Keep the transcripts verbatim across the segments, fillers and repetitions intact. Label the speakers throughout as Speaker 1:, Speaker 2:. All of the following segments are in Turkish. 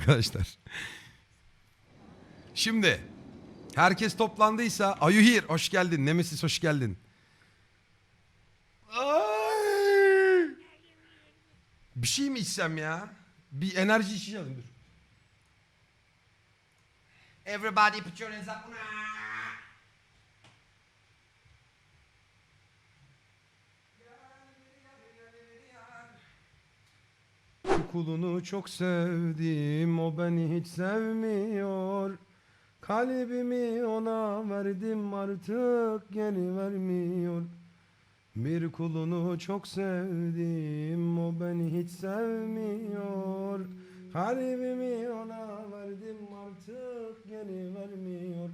Speaker 1: arkadaşlar. Şimdi herkes toplandıysa Are you here? Hoş geldin. Nemesis hoş geldin. Ay! Bir şey mi içsem ya? Bir enerji içeceğim dur. Everybody put your hands up. Kulunu çok sevdim, o beni hiç sevmiyor. Kalbimi ona verdim, artık geri vermiyor. Bir kulunu çok sevdim, o beni hiç sevmiyor. Kalbimi ona verdim, artık geri vermiyor.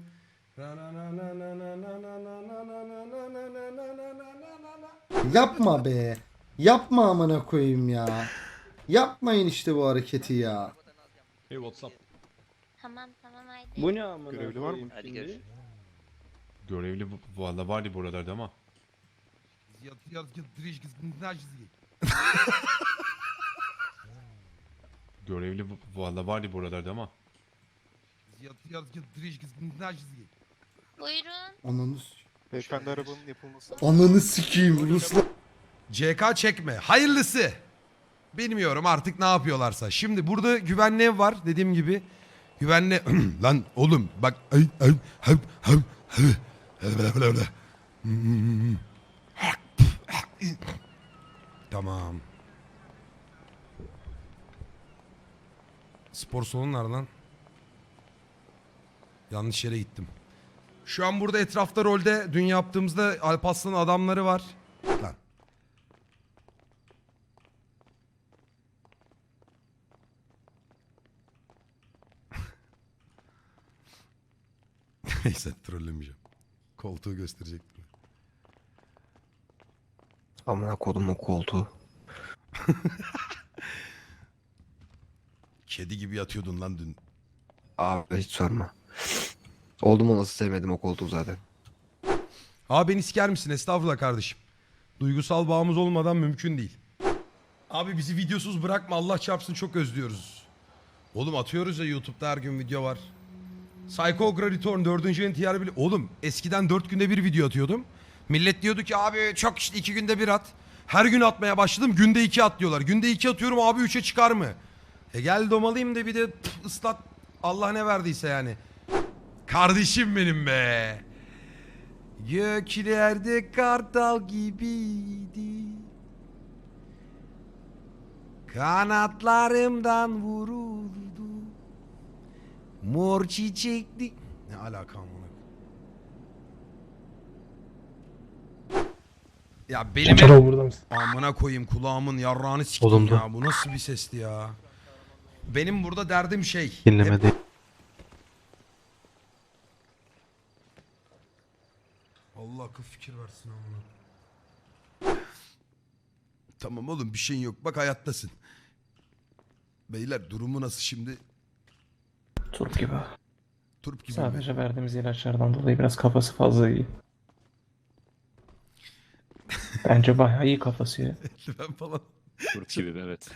Speaker 2: Yapma be. Yapma amına koyayım ya. Yapmayın işte bu hareketi ya.
Speaker 3: Hey what's up?
Speaker 4: Tamam tamam haydi.
Speaker 5: Bu ne amına
Speaker 3: Görevli var mı?
Speaker 5: koyayım
Speaker 4: Hadi
Speaker 5: şimdi?
Speaker 4: görüşürüz.
Speaker 3: Görevli bu- valla vardı buralarda ama. Görevli bu- valla vardı buralarda ama.
Speaker 4: Buyurun.
Speaker 2: Ananı s-
Speaker 6: Beyefendi arabanın yapılması.
Speaker 2: Ananı sikeyim Ruslar.
Speaker 1: C K çekme. Hayırlısı. Bilmiyorum artık ne yapıyorlarsa. Şimdi burada güvenli ev var dediğim gibi. Güvenli... Lan oğlum bak... Tamam. Spor salonu nerede lan? Yanlış yere gittim. Şu an burada etrafta rolde dün yaptığımızda Alparslan'ın adamları var. Lan. Neyse trollemeyeceğim. Koltuğu gösterecektim.
Speaker 6: Amına kodum o koltuğu.
Speaker 1: Kedi gibi yatıyordun lan dün.
Speaker 6: Abi hiç sorma. Oldum olası sevmedim o koltuğu zaten.
Speaker 1: Abi beni siker misin? Estağfurullah kardeşim. Duygusal bağımız olmadan mümkün değil. Abi bizi videosuz bırakma, Allah çarpsın, çok özlüyoruz. Oğlum atıyoruz ya YouTube'da her gün video var. Psycho Ogra Return dördüncü N T R bile... Oğlum eskiden dört günde bir video atıyordum. Millet diyordu ki abi çok işte iki günde bir at. Her gün atmaya başladım, günde iki at diyorlar. Günde iki atıyorum abi, üçe çıkar mı? E gel domalıyım da bir de pf, ıslat, Allah ne verdiyse yani. Kardeşim benim be. Göklerde kartal gibiydi. Kanatlarımdan vuruldu. Mor çiçekli... Ne alaka amına? Ya benim...
Speaker 7: Çaro burada mısın?
Speaker 1: Amına koyayım kulağımın yarrağını siktim
Speaker 7: Olumlu.
Speaker 1: ya. Bu nasıl bir sesti ya? Benim burada derdim şey. hep-
Speaker 7: Dinleme değil.
Speaker 1: Allah akıl fikir versin amına. Tamam oğlum bir şeyin yok. Bak hayattasın. Beyler durumu nasıl şimdi?
Speaker 7: Turp gibi.
Speaker 1: Turp gibi mi?
Speaker 7: Sadece verdiğimiz ilaçlardan dolayı biraz kafası fazla iyi. Bence bayağı iyi kafası ya.
Speaker 1: Ben falan.
Speaker 3: Grup gibi evet.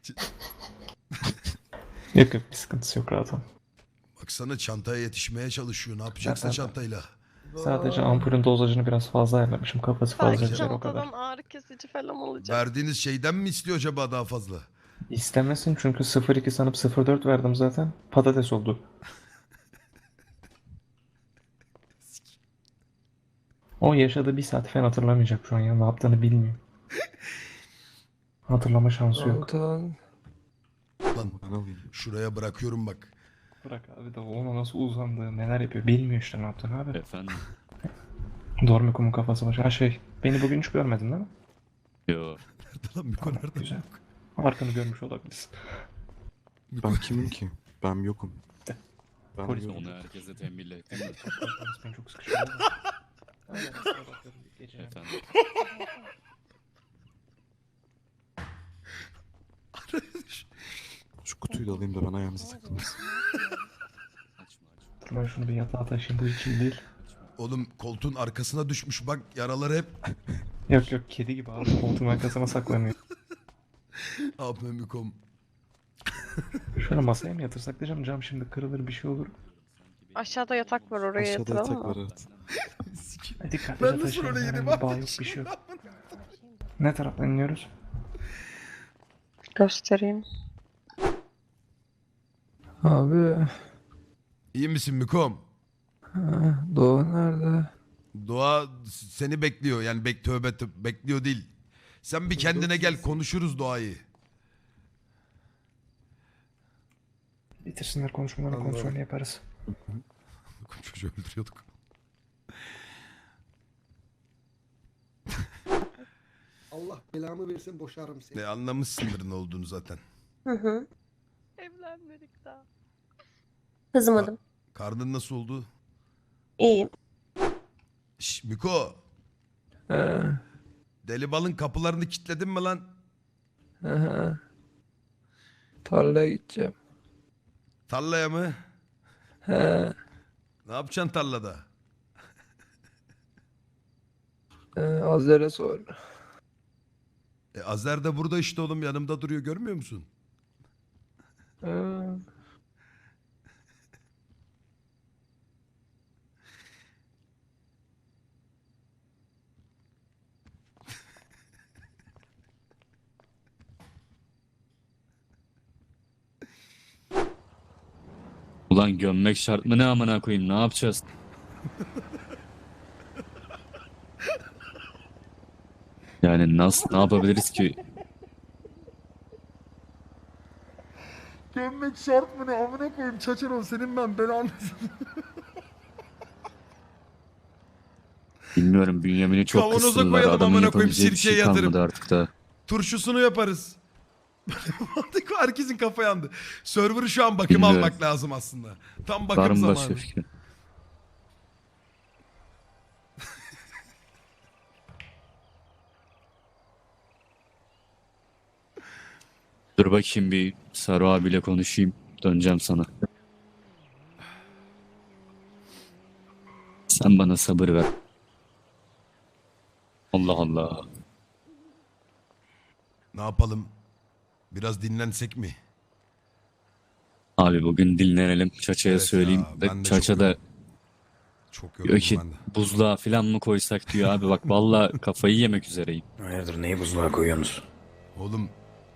Speaker 7: Yok yok bir sıkıntısı yok rahat ol.
Speaker 1: Baksana çantaya yetişmeye çalışıyor. Ne yapacaksa
Speaker 7: Ben- ben-
Speaker 1: çantayla.
Speaker 7: Sadece ampulün dozajını biraz fazla ayarlamışım. Kafası fazla
Speaker 8: Belki
Speaker 7: güzel o kadar.
Speaker 8: çantadan ağrı kesici falan olacak.
Speaker 1: Verdiğiniz şeyden mi istiyor acaba daha fazla?
Speaker 7: İstemesin çünkü sıfır iki sanıp sıfır dört verdim zaten. Patates oldu. O yaşadığı bir saat falan hatırlamayacak şu an ya. Ne yaptığını bilmiyor. Hatırlama şansı yok.
Speaker 1: Lan şuraya bırakıyorum bak.
Speaker 7: Bırak abi de ona nasıl uzandı, neler yapıyor bilmiyor işte ne yaptığını abi.
Speaker 3: Efendim.
Speaker 7: Dormikumun kafası başı. Ha şey, beni bugün hiç görmedin değil mi?
Speaker 3: Yo.
Speaker 1: Nerede lan Miko nerede?
Speaker 7: Güzel. Arkanı görmüş olabilirsin.
Speaker 6: Ben kimim ki? Ben yokum. Ben
Speaker 7: Polis
Speaker 6: yokum.
Speaker 3: Onu herkese tembihle ettim mi?
Speaker 7: Polis beni çok sıkıştırdı. Öyle aslına bakıyorum, gece.
Speaker 3: Efendim.
Speaker 6: Şu kutuyu da alayım da ben ayağınızı takılmasın.
Speaker 3: Açma açma.
Speaker 7: Ben şunu bir yatağa taşıyayım, bu için değil.
Speaker 1: Oğlum koltuğun arkasına düşmüş bak, yaraları hep.
Speaker 7: Yok yok, kedi gibi abi koltuğun arkasına saklanıyor.
Speaker 1: Abi Mikom.
Speaker 7: Şöyle masaya mı yatırsak diyeceğim. Cam şimdi kırılır bir şey olur.
Speaker 8: Aşağıda yatak var oraya
Speaker 5: Aşağıda
Speaker 8: yatıralım
Speaker 5: yatak
Speaker 8: mı?
Speaker 5: var evet.
Speaker 7: Hadi dikkatlice
Speaker 1: Ben nasıl
Speaker 7: taşıyın.
Speaker 1: oraya
Speaker 7: Herhangi
Speaker 1: yedim
Speaker 7: bir bağ
Speaker 1: abi?
Speaker 7: yok, bir şey yok. Ne taraftan iniyoruz?
Speaker 8: Göstereyim.
Speaker 9: Abi,
Speaker 1: İyi misin Mikom?
Speaker 9: ha, Doğa nerede?
Speaker 1: Doğa seni bekliyor. Yani bek tövbe tövbe- bekliyor değil. Sen bir kendine gel, konuşuruz Doğa'yı.
Speaker 7: Bitirsinler konuşmalarını,
Speaker 2: Anladım.
Speaker 7: kontrolünü yaparız.
Speaker 1: Çocuğu öldürüyorduk.
Speaker 2: Allah belamı versin boşarım seni.
Speaker 1: Ne anlamışsındır ne olduğunu zaten.
Speaker 4: Hı hı.
Speaker 8: Evlenmedik daha.
Speaker 4: Kızmadım.
Speaker 1: Karnın nasıl oldu?
Speaker 4: İyiyim.
Speaker 1: Şş Miko.
Speaker 9: He,
Speaker 1: Deli balın kapılarını kilitledin mi lan?
Speaker 9: he, he. Tarlaya gideceğim.
Speaker 1: Tarlaya mı?
Speaker 9: He,
Speaker 1: Ne yapacaksın tarlada?
Speaker 9: he, Azer'e sor.
Speaker 1: E, Azer de burada işte oğlum, yanımda duruyor, görmüyor musun?
Speaker 9: He.
Speaker 10: Ulan gömmek şart mı ne amına koyayım, ne yapacağız? Yani nasıl, ne yapabiliriz ki?
Speaker 1: Gömmek şart mı ne amına koyayım, Çaçaron senin ben belanı.
Speaker 10: Bilmiyorum, Bünyamin'i çok
Speaker 1: Kavanoza
Speaker 10: kıstılar.
Speaker 1: koyalım
Speaker 10: Adamın
Speaker 1: amına koyayım,
Speaker 10: yapabileceği bir
Speaker 1: sirkeye
Speaker 10: şey
Speaker 1: yatırıp.
Speaker 10: kalmadı artık da.
Speaker 1: Turşusunu yaparız. Herkesin kafa yandı. Server'ı şu an bakım
Speaker 10: Bilmiyorum.
Speaker 1: almak lazım aslında. Tam
Speaker 10: Var
Speaker 1: bakım
Speaker 10: mı
Speaker 1: zamanı.
Speaker 10: başka fikrin? Dur bakayım, bir Saru abiyle konuşayım. Döneceğim sana. Sen bana sabır ver. Allah Allah.
Speaker 1: Ne yapalım? Biraz dinlensek mi?
Speaker 10: Abi bugün dinlenelim. Çaça'ya
Speaker 1: Evet
Speaker 10: söyleyeyim.
Speaker 1: ya,
Speaker 10: Bak,
Speaker 1: ben de
Speaker 10: Çaça
Speaker 1: çok
Speaker 10: da
Speaker 1: Çok
Speaker 10: diyor
Speaker 1: yoruldum
Speaker 10: ki
Speaker 1: ben de.
Speaker 10: buzluğa falan mı koysak diyor abi. Bak valla kafayı yemek üzereyim.
Speaker 11: Hayırdır neyi buzluğa koyuyorsunuz?
Speaker 1: Oğlum.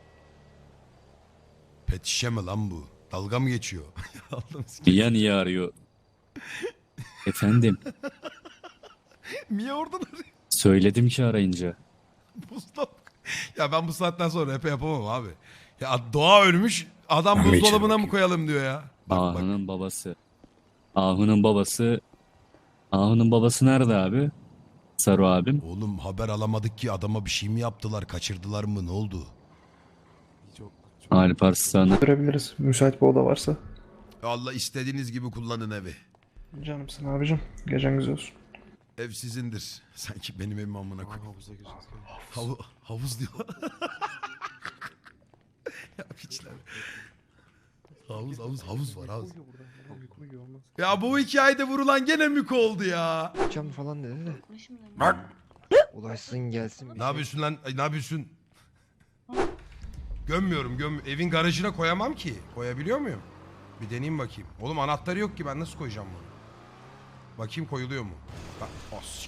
Speaker 1: Pet şişe mi lan bu? Dalga mı geçiyor? Allah'ım sikeyim.
Speaker 10: Niye niye arıyor? Efendim,
Speaker 1: Niye oradan arıyor?
Speaker 10: söyledim ki arayınca.
Speaker 1: Buzdolabı. Ya ben bu saatten sonra rap yapamam abi. Ya doğa ölmüş. Adam
Speaker 11: Ben bir içeri
Speaker 1: buzdolabına mı
Speaker 11: bakayım.
Speaker 1: koyalım diyor ya. Bak bak.
Speaker 10: Ahu'nun babası. Ahu'nun babası. Ahu'nun babası nerede abi? Saru abim.
Speaker 1: Oğlum haber alamadık ki, adama bir şey mi yaptılar? Kaçırdılar mı? Ne oldu?
Speaker 5: Çok, çok
Speaker 10: Alp Arslan'ı.
Speaker 7: Görebiliriz. Müsait bir oda varsa.
Speaker 1: Allah istediğiniz gibi kullanın evi.
Speaker 7: Canımsın abicim. Gecen güzel olsun.
Speaker 1: Ev sizindir. Sanki benim evim amına
Speaker 5: Aman
Speaker 1: koyayım.
Speaker 5: havuza gireceğiz. gel.
Speaker 1: Havu, havuz diyorlar. Ya piçler. Havuz havuz havuz var havuz.
Speaker 7: Uyuyor burada. Uyku uyuyor, olmaz.
Speaker 1: Ya bu hikayede vurulan gene Miko oldu ya.
Speaker 6: Cam falan dedi de.
Speaker 1: Bak.
Speaker 6: Ulaşsın gelsin bir
Speaker 1: Ne
Speaker 6: şey.
Speaker 1: yapıyorsun lan? Ay, ne yapıyorsun? Gömmüyorum göm. Evin garajına koyamam ki. Koyabiliyor muyum? Bir deneyeyim bakayım. Oğlum anahtarı yok ki, ben nasıl koyacağım bunu? Bakayım koyuluyor mu? Bak. As.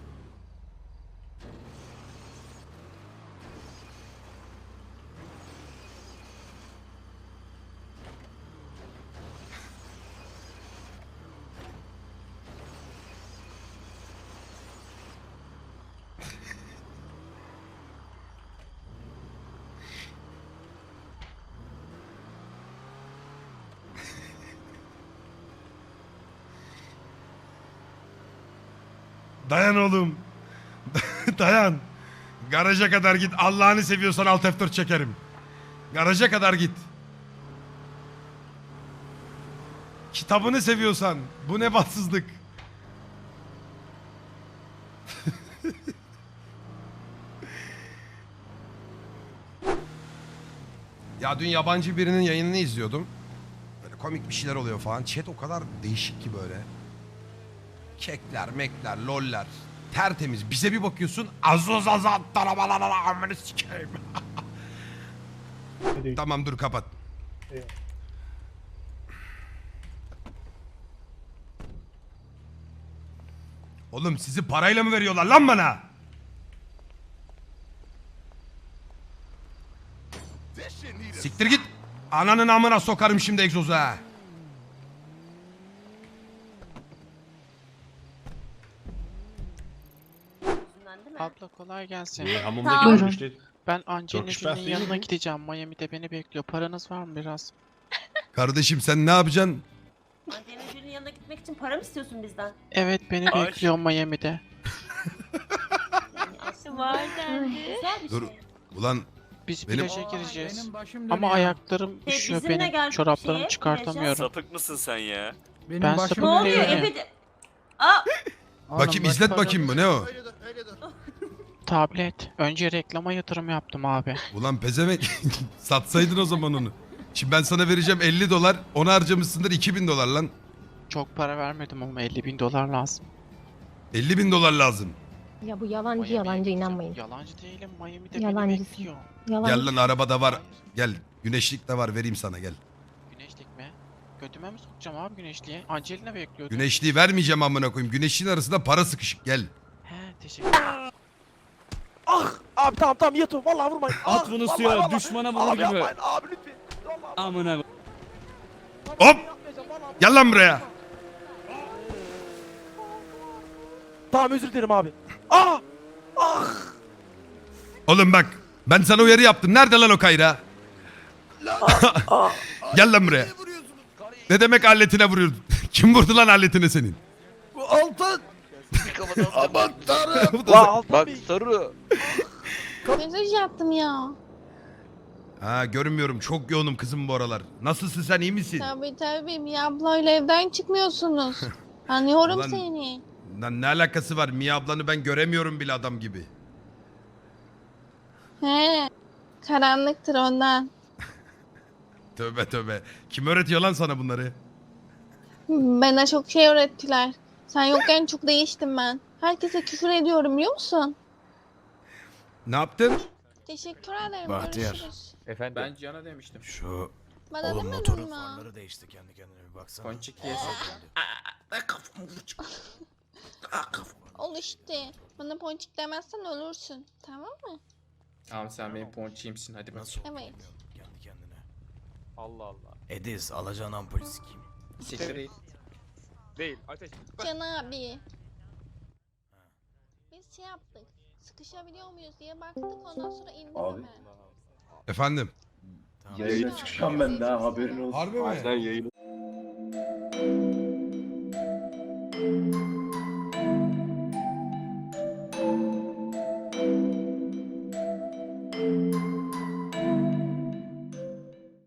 Speaker 1: Dayan oğlum. Dayan. Garaja kadar git. Allah'ını seviyorsan alt F dört çekerim. Garaja kadar git. Kitabını seviyorsan. Bu ne bahtsızlık. Ya dün yabancı birinin yayınını izliyordum. Böyle komik bir şeyler oluyor falan. Chat o kadar değişik ki böyle. Kekler, mekler, loller. Tertemiz. Bize bir bakıyorsun. Azuz azat tarabalala amını sikeyim. Tamam dur kapat. Oğlum sizi parayla mı veriyorlar lan bana? Siktir git. Ananın amına sokarım şimdi egzozu ha.
Speaker 8: Abla kolay gelsin.
Speaker 3: İyi, hamamda
Speaker 4: Sağ ol.
Speaker 3: gelmişti.
Speaker 8: Ben Angelina
Speaker 3: Turkish
Speaker 8: Jolie'nin
Speaker 3: bath değil
Speaker 8: yanına
Speaker 3: mi?
Speaker 8: gideceğim. Miami'de beni bekliyor. Paranız var mı biraz?
Speaker 1: Kardeşim sen ne yapacaksın?
Speaker 4: Angelina Jolie'nin yanına gitmek için para mı istiyorsun bizden?
Speaker 8: Evet beni bekliyor Miami'de.
Speaker 4: Yani aslında güzel bir
Speaker 1: Dur.
Speaker 4: şey.
Speaker 1: Ulan
Speaker 8: Biz
Speaker 1: Benim-
Speaker 8: plaja gireceğiz. Ama ayaklarım
Speaker 4: Şey,
Speaker 8: üşüyor
Speaker 4: bizimle
Speaker 8: benim.
Speaker 4: gel
Speaker 8: Çoraplarımı
Speaker 4: şeye,
Speaker 8: çıkartamıyorum.
Speaker 12: Sapık mısın sen ya?
Speaker 5: Benim
Speaker 8: Ben
Speaker 5: başım
Speaker 8: sapık
Speaker 4: Ne oluyor?
Speaker 8: değilim.
Speaker 4: Efe de... Aa!
Speaker 1: bakayım izlet bakayım bu ne o?
Speaker 8: Tablet. Önce reklama yatırım yaptım abi.
Speaker 1: Ulan pezevenk satsaydın o zaman onu. Şimdi ben sana vereceğim elli dolar, onu harcamışsındır iki bin dolar lan.
Speaker 8: Çok para vermedim ama elli bin dolar lazım.
Speaker 1: elli bin dolar lazım.
Speaker 4: Ya bu yalancı
Speaker 8: Miami'ye
Speaker 4: yalancı
Speaker 8: gideceğim.
Speaker 4: inanmayın.
Speaker 8: Yalancı değilim. Miami'de beni
Speaker 4: Yalancısın.
Speaker 8: bekliyor.
Speaker 4: Yalancı.
Speaker 1: Gel lan arabada var. Gel. Güneşlik de var vereyim sana gel.
Speaker 8: Güneşlik mi? Götüme mi sokacağım abi güneşliğe? Angelina bekliyordu.
Speaker 1: Güneşliği vermeyeceğim amına koyayım. Güneşliğin arasında para sıkışık gel.
Speaker 8: He teşekkür ederim.
Speaker 5: Ah! Abi tamam tamam yeto. Vallahi vurmayın.
Speaker 10: At
Speaker 5: Ah,
Speaker 10: bunu
Speaker 5: vallahi,
Speaker 10: suya,
Speaker 5: vallahi.
Speaker 10: düşmana vurur
Speaker 5: Abi
Speaker 10: gibi.
Speaker 5: yapmayın abi lütfen. Vallahi.
Speaker 10: Amına.
Speaker 1: Hop!
Speaker 5: Yapmayacağım, vallahi.
Speaker 1: Gel lan buraya.
Speaker 5: Tamam özür dilerim abi. Ah! Ah!
Speaker 1: Oğlum bak. Ben sana uyarı yaptım. Nerede lan o kayra? Gel lan buraya. Ne demek aletine vuruyordun? Kim vurdu lan aletine senin?
Speaker 5: Bu altın.
Speaker 11: Aman tanrım.
Speaker 5: La altın
Speaker 11: Bak
Speaker 5: bir-
Speaker 11: sarı.
Speaker 4: Mesaj yaptım ya.
Speaker 1: Ha görünmüyorum. Çok yoğunum kızım bu aralar. Nasılsın sen iyi misin?
Speaker 4: Tabii tabii bir ablayla evden çıkmıyorsunuz. Anlıyorum
Speaker 1: Ulan-
Speaker 4: seni.
Speaker 1: Lan ne alakası var? Mia ablanı ben göremiyorum bile adam gibi.
Speaker 4: He. Karanlıktır ondan.
Speaker 1: Tövbe tövbe. Kim öğretiyor lan sana bunları?
Speaker 4: Bana çok şey öğrettiler. Sen yokken çok değiştim ben. Herkese küfür ediyorum biliyor musun?
Speaker 1: Ne yaptın?
Speaker 4: Teşekkür ederim.
Speaker 11: Bahtiyar.
Speaker 4: Görüşürüz.
Speaker 3: Efendim? Ben Cihan'a demiştim.
Speaker 11: Şu
Speaker 4: Bana
Speaker 11: oğlum
Speaker 4: demedin
Speaker 11: motorun
Speaker 4: mi?
Speaker 11: farları değişti kendi kendine bir baksana.
Speaker 3: Ponçik diye
Speaker 11: Ay kafamı vuracak. Ah kafamı.
Speaker 4: Ol işte. Bana ponçik demezsen ölürsün. Tamam mı?
Speaker 3: Tamam sen benim ponçiyimsin hadi bak.
Speaker 11: Nasıl oldu
Speaker 4: Evet.
Speaker 11: bilmiyorum kendi kendine.
Speaker 5: Allah Allah.
Speaker 11: Ediz alacağın ampul sikeyim.
Speaker 3: Siktir et.
Speaker 5: Değil. Ateş.
Speaker 4: Can abi. Biz şey yaptık. Sıkışabiliyor muyuz diye baktık ondan sonra indim
Speaker 11: Abi.
Speaker 4: hemen.
Speaker 1: Efendim?
Speaker 11: Tamam.
Speaker 4: Yayına çıkacağım ben de,
Speaker 11: haberin olsun.
Speaker 1: Harbi mi?
Speaker 11: yayın.